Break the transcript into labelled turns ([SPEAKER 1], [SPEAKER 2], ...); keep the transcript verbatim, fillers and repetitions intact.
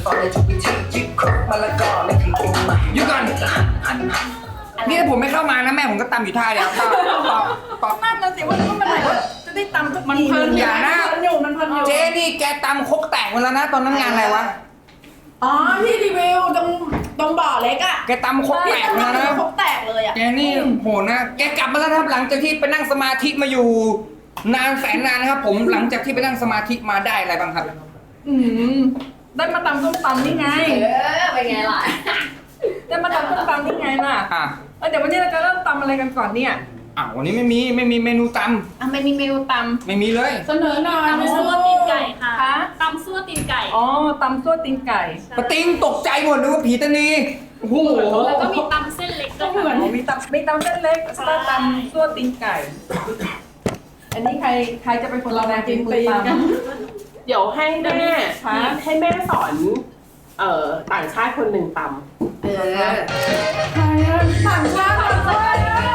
[SPEAKER 1] สอนในทุกวิธียึดครบมาละก่อนไม่ถึงกินใหม่
[SPEAKER 2] หยุดก่อน
[SPEAKER 1] หันหัน
[SPEAKER 2] นี่ถ้าผมไม่เข้ามานะแม่ผมก็ตำอยู่ท่าเดียวต่อต่อต่อ
[SPEAKER 3] นั่นน่ะสิว่าแล้วมันไหนว่าจะได้ตำสักที
[SPEAKER 2] มันเพลินอย่านะ
[SPEAKER 3] มันอยู่มันเพลินอยู่
[SPEAKER 2] เจ๊นี่แกตำครกแตกหมดแล้วนะตอนนั้นงานอะไรวะ
[SPEAKER 3] อ๋อที่รีวิวตรงตรงบ่อเล็กอ่ะ
[SPEAKER 2] แกตำครกแตกหมดแล้วนะ
[SPEAKER 3] ครกแตกเลยอ่ะ
[SPEAKER 2] แกนี่โหดนะ แกกลับมาแล้วนะครับหลังจากที่ไปนั่งสมาธิมาอยู่ นานแสนนานนะครับ ผมหลังจากที่ไปนั่งสมาธิมาได้อะไรบ้างครับ
[SPEAKER 3] อืมได้มาตำส้มตำนี่ไง
[SPEAKER 4] เออเป็นไงล่ะ
[SPEAKER 3] ได้มาตำส้มตำนี่ไงล่ะ
[SPEAKER 2] อ่ะ
[SPEAKER 3] เออเดี๋ยววันนี้เราจะเริ่มตำอะไรกันก่อนเนี่ย
[SPEAKER 2] อ่ะวันนี้ไม่มีไม่มีเมนูต
[SPEAKER 3] อ่ะไม่มีเมนูต
[SPEAKER 2] ำไม่มีเลย
[SPEAKER 3] ำเสนอหน่อย
[SPEAKER 5] ตำซั่วตีนไก่ค่ะ
[SPEAKER 3] คะ
[SPEAKER 5] ตำซั่วตีนไก่
[SPEAKER 3] อ๋อตำซั่วตีนไก่
[SPEAKER 2] ปะติงตกใจหมดนึกว่าผีตานีโอ้โห
[SPEAKER 5] แล้วก็มีตำเส้นเล็กด้วย
[SPEAKER 3] เหมือน
[SPEAKER 5] ค่ะ
[SPEAKER 3] มีตำมีตำเส้นเล็กแล้วก็ตำซั่วตีนไก่ อันนี้ใครใครจะเป็นคนเรามากินมือตำ
[SPEAKER 6] เดี๋ยวให้แม่
[SPEAKER 3] คะ
[SPEAKER 6] ให้แม่สอนเอ่อต่างชาติคนหนึ่งตำ
[SPEAKER 4] เออ
[SPEAKER 3] ใครอะต่างชาติเหรอ